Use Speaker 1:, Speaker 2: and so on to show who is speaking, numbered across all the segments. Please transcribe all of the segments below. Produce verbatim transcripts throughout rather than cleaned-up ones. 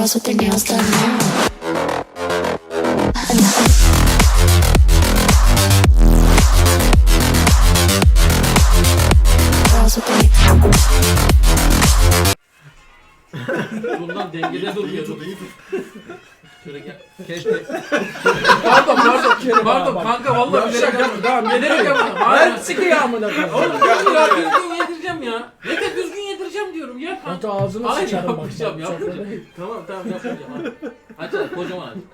Speaker 1: Girls with their nails done now. Girls with their
Speaker 2: Bundan dengede duruyordu. Şöyle gel. Keşke. Pardon pardon. Pardon kanka vallahi bilerek yapmadım. Tamam bilerek yapmadım.
Speaker 3: Ben sıkıyor amına koyayım.
Speaker 2: Oğlum ya düzgün yedireceğim ya. Ne de düzgün yedireceğim diyorum ya.
Speaker 3: Hatta ağzını
Speaker 2: Hayır
Speaker 3: sıçarım bak.
Speaker 2: yapmayacağım
Speaker 3: Çok
Speaker 2: yapmayacağım.
Speaker 3: öyle.
Speaker 2: Tamam tamam yapmayacağım hadi. Aç hadi kocaman aç.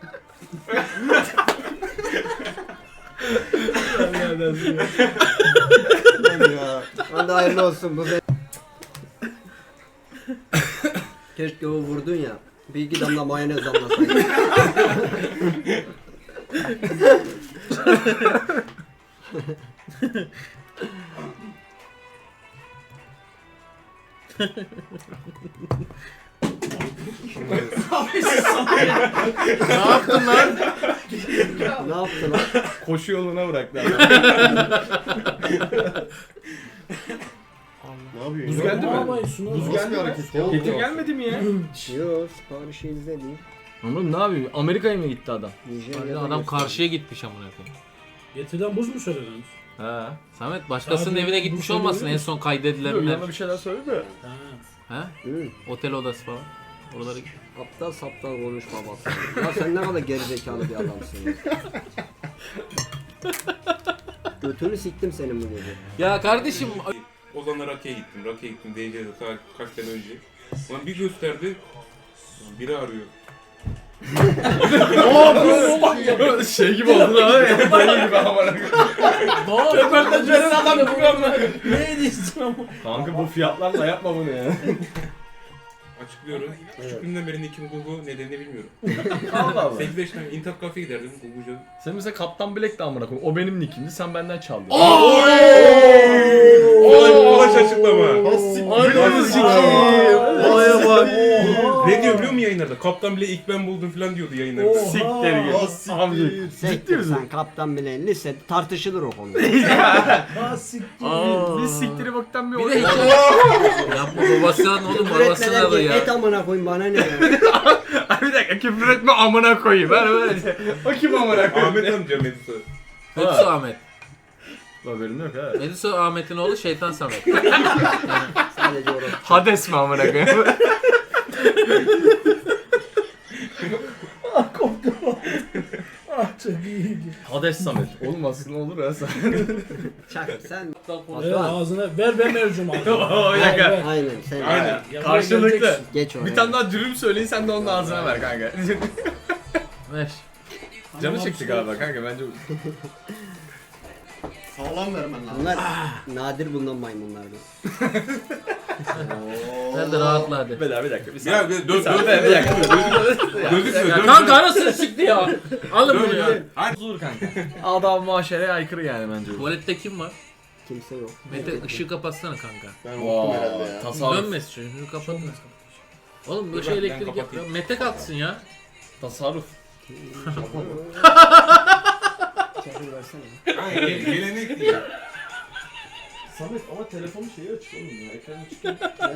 Speaker 4: Ya. Hadi hayırlı olsun bu be. Keşke o vurdun ya. Bir iki damla mayonez damlasaydın.
Speaker 2: Ne yaptın lan?
Speaker 4: Ne yaptın lan?
Speaker 5: Koşu yoluna bıraktı adam. Ne yapıyorsun?
Speaker 6: Buz geldi mi?
Speaker 3: Ama sunu-
Speaker 6: Buz geldi mi? hareket ya.
Speaker 5: Getir gelmedi mi ya?
Speaker 4: Yok siparişi izlediğim.
Speaker 5: Ama ne yapayım? Amerika'ya mı gitti adam?
Speaker 4: Nijerya'da
Speaker 2: Adam
Speaker 4: göster.
Speaker 2: karşıya gitmiş amına koyayım.
Speaker 3: Getirden buz mu söylediniz?
Speaker 5: Ha.
Speaker 2: Samet başkasının
Speaker 3: Abi,
Speaker 2: evine
Speaker 3: bu
Speaker 2: gitmiş
Speaker 3: şey
Speaker 2: olmasın
Speaker 3: değil
Speaker 2: en son kaydedilenler.
Speaker 5: Yanına bir şeyler söyledi de.
Speaker 3: Ha.
Speaker 2: Ha?
Speaker 4: Hı.
Speaker 2: Otel odası falan. Oraları
Speaker 4: Aptal saptal konuşma bak. Ya sen ne kadar gerizekalı bir adamsın ya. Götünü siktim senin bu gece.
Speaker 2: Ya kardeşim
Speaker 7: Ozan'la Raki'ye gittim. Raki'ye gittim D C'de ta kaç sene önce. Ulan bir gösterdi. Ulan biri arıyor.
Speaker 5: Şey gibi oldu ha. Dayı gibi amına. Röportajların adam gibi amına.
Speaker 3: Ne ediyorsun ama?
Speaker 5: Kanka bu fiyatlarla yapma bunu ya.
Speaker 7: Açıklıyorum. Küçüklüğümden beri Nick'in Google nedenini bilmiyorum.
Speaker 5: Allah Allah.
Speaker 7: sekiz beş tane internet kafeye giderdim Google'ca.
Speaker 5: Sen mesela Kaptan Black de amına koyayım. O benim nickimdi. Sen benden çaldın.
Speaker 7: Olay ulaş açıklama.
Speaker 5: Ananı sikeyim. Olaya bak.
Speaker 7: Ne diyor biliyor musun yayınlarda? Kaptan bile ilk ben buldum falan diyordu yayınlarda.
Speaker 5: Siktir git. Amca. Ciddi
Speaker 4: Sektir
Speaker 5: misin?
Speaker 4: sen kaptan bile lise tartışılır o konuda.
Speaker 3: Ha siktir.
Speaker 5: Biz siktiri baktan bir
Speaker 2: bir de
Speaker 5: oyun.
Speaker 2: hikaye. Yapma babasından oğlum babasına da
Speaker 4: Üretmeler et
Speaker 2: ya.
Speaker 4: amına koyayım bana ne ya.
Speaker 5: Ay bir dakika küfür etme amına koyayım. Ben böyle. O kim amına koyayım?
Speaker 7: Ahmet amca Medisa.
Speaker 2: Mediso Ahmet.
Speaker 5: Haberim yok ha.
Speaker 2: Mediso Ahmet'in oğlu Şeytan Samet.
Speaker 4: Sadece orası.
Speaker 5: Hades mi amına koyayım?
Speaker 3: Ah çok iyiydi.
Speaker 5: Hades Samet. Oğlum aslında olur ha sen.
Speaker 4: Çak sen.
Speaker 3: Evet ağzına ver ben mercum ağzına.
Speaker 5: Oo, bir dakika.
Speaker 3: Ver, ver.
Speaker 4: Aynen sen.
Speaker 7: Aynen.
Speaker 3: Ya buraya
Speaker 5: Karşılıklı.
Speaker 3: geleceksin.
Speaker 4: Geç oraya.
Speaker 5: Bir tane daha dürüm söyleyin sen de onun ağzına ver kanka.
Speaker 2: Ver.
Speaker 5: Canı çekti galiba kanka bence.
Speaker 6: Sağlam vermen lazım.
Speaker 4: Bunlar nadir bulunan maymunlardı.
Speaker 2: Sen de rahatla hadi.
Speaker 5: Bir daha bir dakika. Bir
Speaker 7: Ya
Speaker 5: saniye.
Speaker 7: bir dön
Speaker 5: Bir
Speaker 7: dön
Speaker 5: saniye, bir dakika.
Speaker 7: Gözükmüyor.
Speaker 2: Ya
Speaker 7: dön,
Speaker 2: kanka
Speaker 7: dön.
Speaker 2: arasını çıktı ya. Alın bunu ya.
Speaker 5: Olur kanka. Adam muaşereye aykırı yani bence bu.
Speaker 2: Tuvalette kim var?
Speaker 4: Kimse yok.
Speaker 2: Mete ışığı kapatsana kanka.
Speaker 6: Ben unuttum herhalde
Speaker 5: Vay,
Speaker 6: ya.
Speaker 5: tasarruf.
Speaker 2: Dönmesin şunu, şunu kapatın. Oğlum böyle şey
Speaker 7: Ben- ben
Speaker 2: elektrik
Speaker 7: kapatayım.
Speaker 2: yapıyor. Mete kalksın ya.
Speaker 5: Tasarruf.
Speaker 4: Çakır versene.
Speaker 7: Aynen gel- gelenek değil.
Speaker 6: Samet ama telefonu şeyi açık oğlum ya. Ekranı çıkıyor.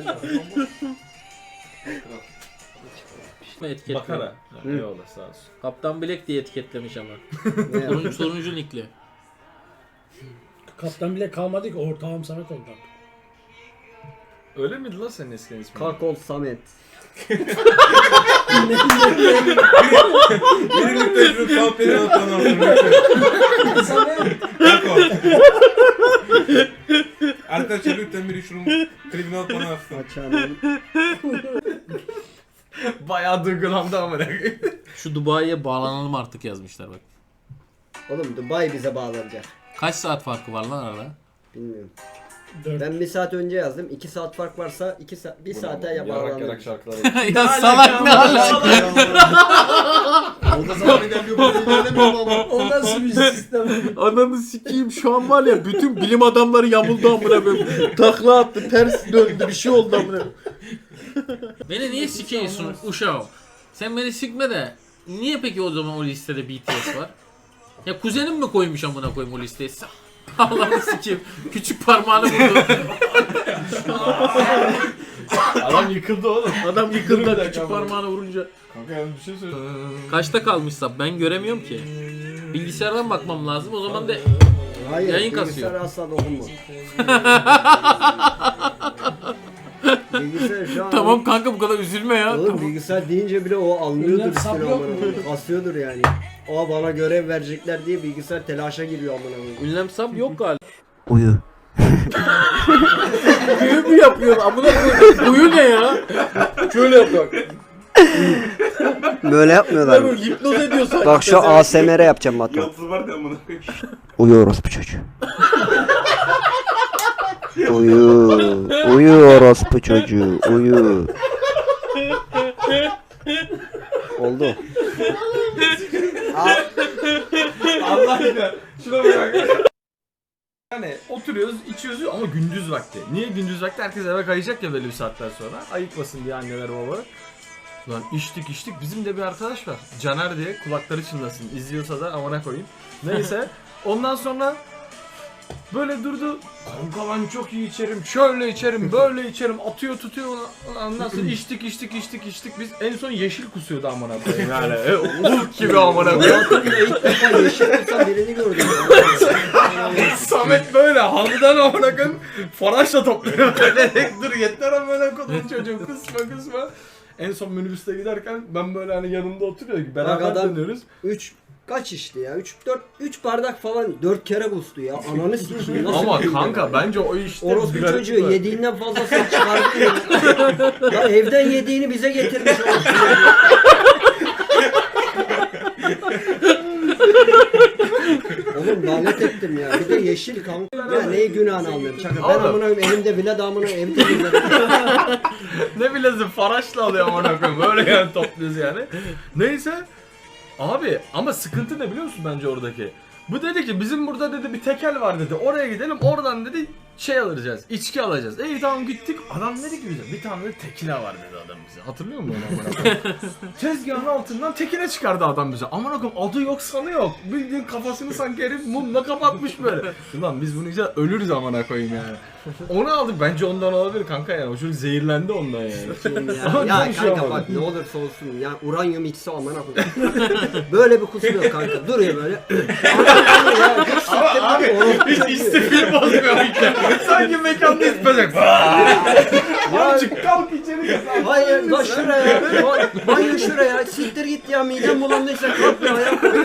Speaker 2: Etiketli.
Speaker 5: Bakara.
Speaker 4: Hı.
Speaker 5: Eyvallah sağ olsun.
Speaker 2: Kaptan Black diye etiketlemiş ama.
Speaker 4: Ne
Speaker 2: Sorun,
Speaker 4: yaptın?
Speaker 2: soruncu nickli.
Speaker 3: Kaptan bile kalmadı ki ortağım Samet oldu.
Speaker 5: Öyle miydi lan senin eskiden ismin?
Speaker 4: Kakol Samet.
Speaker 7: Birinin tecrübe kalpleri atlanan. Arkadaşlar lütfen biri şunun klibini alıp bana atsın.
Speaker 4: Açanın.
Speaker 5: Bayağı duygulandı amına.
Speaker 2: Şu Dubai'ye bağlanalım artık yazmışlar bak.
Speaker 4: Oğlum Dubai bize bağlanacak.
Speaker 2: Kaç saat farkı var lan arada?
Speaker 4: Bilmiyorum.
Speaker 3: Dört.
Speaker 4: Ben bir saat önce yazdım. iki saat fark varsa iki saat bir saate ya
Speaker 5: Yarak yarak
Speaker 4: bağlanır.
Speaker 5: şarkılar.
Speaker 2: ya salak ne alaka?
Speaker 6: Orada zaman ilerliyor böyle ilerlemiyor ama.
Speaker 3: O nasıl bir sistem?
Speaker 2: Ananı sikeyim şu an var ya bütün bilim adamları yamuldu amına koyayım. Takla attı, ters döndü bir şey oldu amına koyayım. Beni niye sikiyorsun uşağım? Sen beni sikme de niye peki o zaman o listede B T S var? Ya kuzenim mi koymuş amına koyayım o listeye? Allah'ını sikeyim. Küçük parmağını vurdu.
Speaker 5: Adam yıkıldı oğlum.
Speaker 2: Adam
Speaker 5: Dur bir
Speaker 2: yıkıldı
Speaker 5: dakika
Speaker 2: küçük
Speaker 5: ama.
Speaker 2: parmağını vurunca.
Speaker 5: Kanka yani bir şey söyle.
Speaker 2: Kaçta kalmışsa ben göremiyorum ki. Bilgisayardan bakmam lazım o zaman da
Speaker 4: Hayır,
Speaker 2: Yayın
Speaker 4: bilgisayar
Speaker 2: kasıyor.
Speaker 4: asla dokunma. Bilgisayar şu an...
Speaker 2: tamam kanka bu kadar üzülme ya.
Speaker 4: Oğlum bilgisayar deyince bile o anlıyordur
Speaker 3: Ünlem sap
Speaker 4: üstüne
Speaker 3: yok
Speaker 4: amına
Speaker 3: mu?
Speaker 4: koyayım. Kasıyordur yani. O bana görev verecekler diye bilgisayar telaşa giriyor amına koyayım.
Speaker 2: Ünlem sap yok galiba.
Speaker 4: Uyu.
Speaker 2: Büyü mü yapıyor amına koyayım? Uyu ne ya? Şöyle yapıyor.
Speaker 4: Böyle yapmıyorlar mı?
Speaker 2: Böyle hipnoz ediyor sanki.
Speaker 4: Bak şu A S M R yapacağım Batu.
Speaker 7: Yıldız var da amına koyayım.
Speaker 4: Uyuyoruz bu çocuğu. Uyu. Uyu orospu çocuğu. Uyu. Oldu.
Speaker 5: Allah aşkına. Şuna bak. Yani oturuyoruz, içiyoruz ama gündüz vakti. Niye gündüz vakti? Herkes eve kayacak ya belli bir saatten sonra. Ayıkmasın diye anneler babalar. Lan içtik içtik. Bizim de bir arkadaş var. Caner diye, kulakları çınlasın. İzliyorsa da amına koyayım. Neyse. Ondan sonra böyle durdu. Kanka ben çok iyi içerim. Şöyle içerim, böyle içerim. Atıyor tutuyor. Ondan sonra içtik içtik içtik içtik. Biz en son yeşil kusuyordu amına koyayım yani. E, Hulk gibi amına koyayım.
Speaker 4: Hayatımda ilk defa yeşil olsa birini gördüm.
Speaker 5: Samet böyle halıdan amına koyayım. Faraşla topluyor. Böyle dur yeter amına koyayım çocuğum kısma kısma. En son minibüste giderken ben böyle hani yanımda oturuyor gibi beraber
Speaker 4: Bak adam-
Speaker 5: dönüyoruz.
Speaker 4: üç kaç içti ya? üç dört üç bardak falan dört kere kustu ya. Ananı sikeyim. Nasıl
Speaker 5: Ama
Speaker 4: bir
Speaker 5: kanka
Speaker 4: ya?
Speaker 5: bence o işte
Speaker 4: Orospu
Speaker 5: bir garip
Speaker 4: çocuğu
Speaker 5: var.
Speaker 4: yediğinden fazlasını çıkardı ya. Ya evden yediğini bize getirmiş orospu çocuğu. Oğlum lanet ettim ya. Bir de yeşil kanka. Ya neyi günahını almıyorum. Çakır. Ben
Speaker 5: Oğlum.
Speaker 4: amına koyayım elimde bile damına ev temizledim.
Speaker 5: Ne bilezim faraşla alıyor amına koyayım. Böyle yani topluyoruz yani. Neyse. Abi ama sıkıntı ne biliyor musun bence oradaki? Bu dedi ki bizim burada dedi bir tekel var dedi. Oraya gidelim oradan dedi şey alacağız. İçki alacağız. İyi tamam gittik. Adam dedi ki bize bir tane de tekila var dedi adam bize. Hatırlıyor musun onu amına koyayım? Tezgahın altından tekile çıkardı adam bize. Amına koyayım adı yok sanı yok. Bildiğin kafasını sanki herif mumla kapatmış böyle. Ulan biz bunu yiyeceğiz ölürüz amına koyayım yani. Onu aldık bence ondan olabilir kanka yani. O çocuk zehirlendi ondan yani.
Speaker 4: ya, ya kanka bak ne olursa olsun ya uranyum içse amına koyayım. Böyle bir kusuyor kanka. Duruyor böyle. ya, hiç siktir
Speaker 5: Abi
Speaker 4: orospu
Speaker 5: hiç
Speaker 4: çocuğu.
Speaker 5: istifir bozmuyor işte. Sanki mekanda ispecek. Azıcık kalk içeri git.
Speaker 4: Hayır bak şuraya. Bak, banyo şuraya. Siktir git ya midem bulandıysa kalk ya.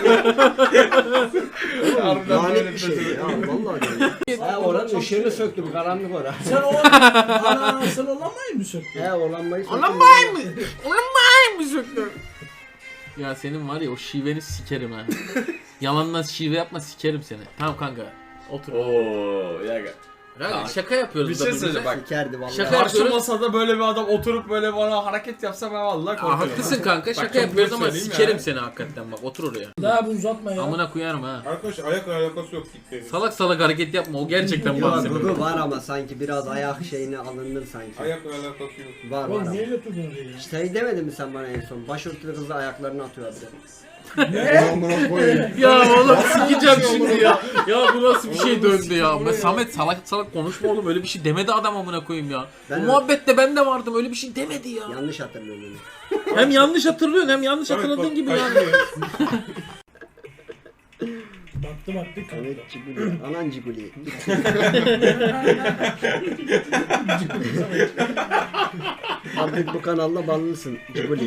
Speaker 5: Harbiden
Speaker 4: Lanet
Speaker 5: böyle
Speaker 4: bir şey
Speaker 5: bir
Speaker 4: ya vallahi. Ya oranın ışığını söktüm karanlık ora.
Speaker 3: Sen o ana sen olamayı mı söktün?
Speaker 4: He oranmayı söktüm.
Speaker 2: Olamayım mı? Olamayım mı söktüm? Ya senin var ya o şiveni sikerim ha. Yalandan şive yapma sikerim seni. Tamam kanka. Otur.
Speaker 5: Ooo ya gel.
Speaker 2: Kanka, şaka yapıyoruz.
Speaker 5: Bir
Speaker 2: da
Speaker 5: şey
Speaker 2: birbirimize.
Speaker 5: söyleyeceğim bak.
Speaker 4: Sikerdi vallahi.
Speaker 2: Şaka
Speaker 5: Karşı
Speaker 2: yapıyoruz.
Speaker 5: masada böyle bir adam oturup böyle bana hareket yapsa ben vallahi
Speaker 2: Aa,
Speaker 5: korkarım.
Speaker 2: haklısın kanka
Speaker 5: Bak,
Speaker 2: şaka
Speaker 5: çok
Speaker 2: yapıyoruz
Speaker 5: net
Speaker 2: ama
Speaker 5: söyleyeyim
Speaker 2: sikerim
Speaker 5: yani.
Speaker 2: seni hakikaten bak otur oraya.
Speaker 3: Daha bu uzatma ya.
Speaker 2: Amına koyarım ha.
Speaker 7: Arkadaş ayak alakası yok gitti.
Speaker 2: Salak salak hareket yapma o gerçekten
Speaker 4: Ya
Speaker 2: bahsediyor.
Speaker 4: Gugu var ama sanki biraz ayak şeyine alınır sanki.
Speaker 7: Ayak alakası yok.
Speaker 4: Var var
Speaker 3: Oğlum
Speaker 4: ama.
Speaker 3: niye götürdün oraya ya?
Speaker 4: Şey demedin mi sen bana en son? Başörtülü kızla ayaklarını atıyor abi.
Speaker 2: Ya oğlum sikeceğim şimdi ya. Ya bu nasıl bir şey döndü ya. Ben Samet salak salak konuşma oğlum öyle bir şey demedi adam amına koyayım ya.
Speaker 4: Ben-
Speaker 2: Bu muhabbette ben de vardım öyle bir şey demedi ya.
Speaker 4: Yanlış hatırlıyorum onu.
Speaker 2: Hem yanlış hatırlıyorsun hem yanlış
Speaker 7: Samet
Speaker 2: hatırladığın
Speaker 7: bak,
Speaker 2: gibi yani.
Speaker 7: kaçmıyor.
Speaker 3: Baktı baktı kanka.
Speaker 4: Evet Ciguli. Anan Ciguli. Artık bu kanalda banlısın Ciguli.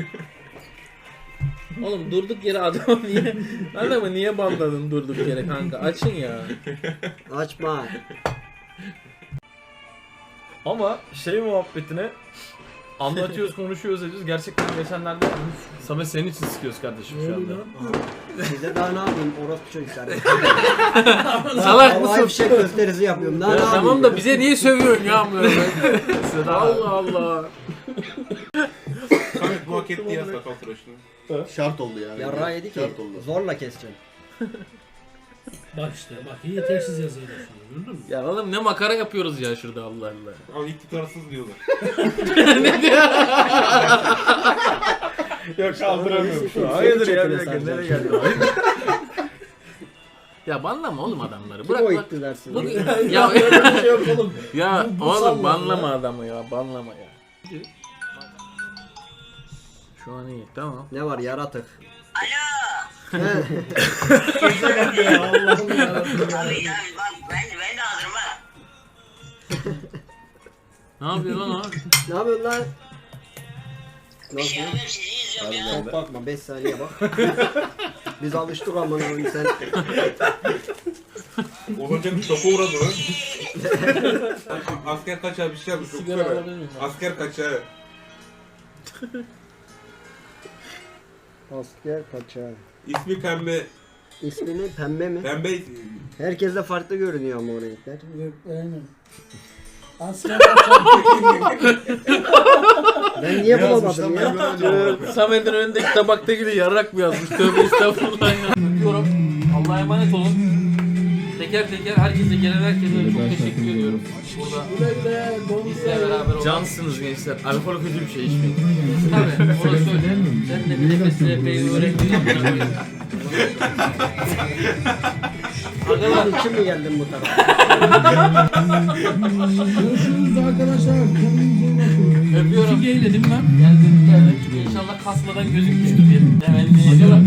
Speaker 2: Oğlum durduk yere adamı niye adamı niye bandladın durduk yere kanka açın ya.
Speaker 4: Açma.
Speaker 5: Ama şey muhabbetine anlatıyoruz, konuşuyoruz, ediyoruz. Gerçekten geçenlerde Samet senin için sıkıyoruz kardeşim şu anda.
Speaker 4: Size daha ne yapayım orospu çocuklar.
Speaker 2: Salak
Speaker 4: Havai
Speaker 2: mısın?
Speaker 4: fişek gösterisi yapıyorum. Daha
Speaker 2: Ya
Speaker 4: ne yapayım?
Speaker 2: tamam da bize niye sövüyorsun ya amına koyayım?
Speaker 5: Sıra-
Speaker 2: Allah Allah.
Speaker 7: Samet bu hak etti ya sakal tıraşını.
Speaker 6: Şart oldu yani.
Speaker 4: Yarrağı yedi ki
Speaker 6: Şart oldu.
Speaker 4: zorla keseceğim.
Speaker 3: Bak işte bak yetersiz yazıyla şunu gördün mü?
Speaker 2: Ya oğlum ne makara yapıyoruz ya şurada Allah Allah.
Speaker 7: Ama iktidarsız diyorlar.
Speaker 5: Yok kaldıramıyorum şu an.
Speaker 4: Seni
Speaker 5: Hayırdır ya bir
Speaker 4: çekile
Speaker 5: dakika nereye
Speaker 4: saracağım
Speaker 5: geldi?
Speaker 2: Ya banlama oğlum adamları.
Speaker 4: Kim
Speaker 2: Bırak
Speaker 4: o
Speaker 2: bak.
Speaker 4: itti dersin?
Speaker 2: Bu-
Speaker 3: Ya
Speaker 2: ya
Speaker 3: öyle bir şey yok oğlum.
Speaker 2: ya
Speaker 3: Bu- bu
Speaker 2: oğlum
Speaker 3: sallama
Speaker 2: banlama
Speaker 3: ya.
Speaker 2: adamı ya. Banlama ya. Şu an iyi. Tamam.
Speaker 4: Ne var yaratık?
Speaker 3: Kimse bak ya Allah'ım yarabbim.
Speaker 8: Abi abi bak ben, ben de hazırım ha.
Speaker 2: Ne yapıyor lan o?
Speaker 4: Ne yapıyorsun lan?
Speaker 8: Bir şey
Speaker 4: Nasıl?
Speaker 8: yapıyorum sizi izliyorum ya.
Speaker 4: Çok bakma beş saniye bak. Biz alıştık amına koyayım sen.
Speaker 7: Olunca bir şoka uğradı lan. Asker kaçağı bir şey yapmış. Çok
Speaker 2: Sigara
Speaker 7: güzel.
Speaker 2: alabilir miyim?
Speaker 7: Asker kaçağı.
Speaker 4: Asker kaçağı.
Speaker 7: İsmi Pembe.
Speaker 4: İsmini pembe mi?
Speaker 7: Pembe
Speaker 4: Herkes de farklı görünüyor ama o renkler.
Speaker 3: Yok aynen. Asker kaçan.
Speaker 4: Ben niye bulamadım ya?
Speaker 2: Samet'in önündeki tabaktaki de yarrak mı yazmış? Tövbe estağfurullah ya. Öpüyorum. Allah'a emanet olun. Teker teker herkese gelen herkese çok teşekkür ediyorum. Burada
Speaker 3: Güle güle.
Speaker 2: bizle beraber olan.
Speaker 5: Cansınız gençler. Alkol kötü bir şey içmeyin.
Speaker 2: Tabii orası öyle. Sen de bir nefes nefeyi öğrettin. Arkadaşlar
Speaker 4: Lan için mi geldin bu tarafa?
Speaker 3: Görüşürüz arkadaşlar. Kendinize iyi bakın.
Speaker 2: öpüyorum. Fikir'e dedim ben. Geldim geldim. İnşallah kasmadan gözükmüştür diye. Evet.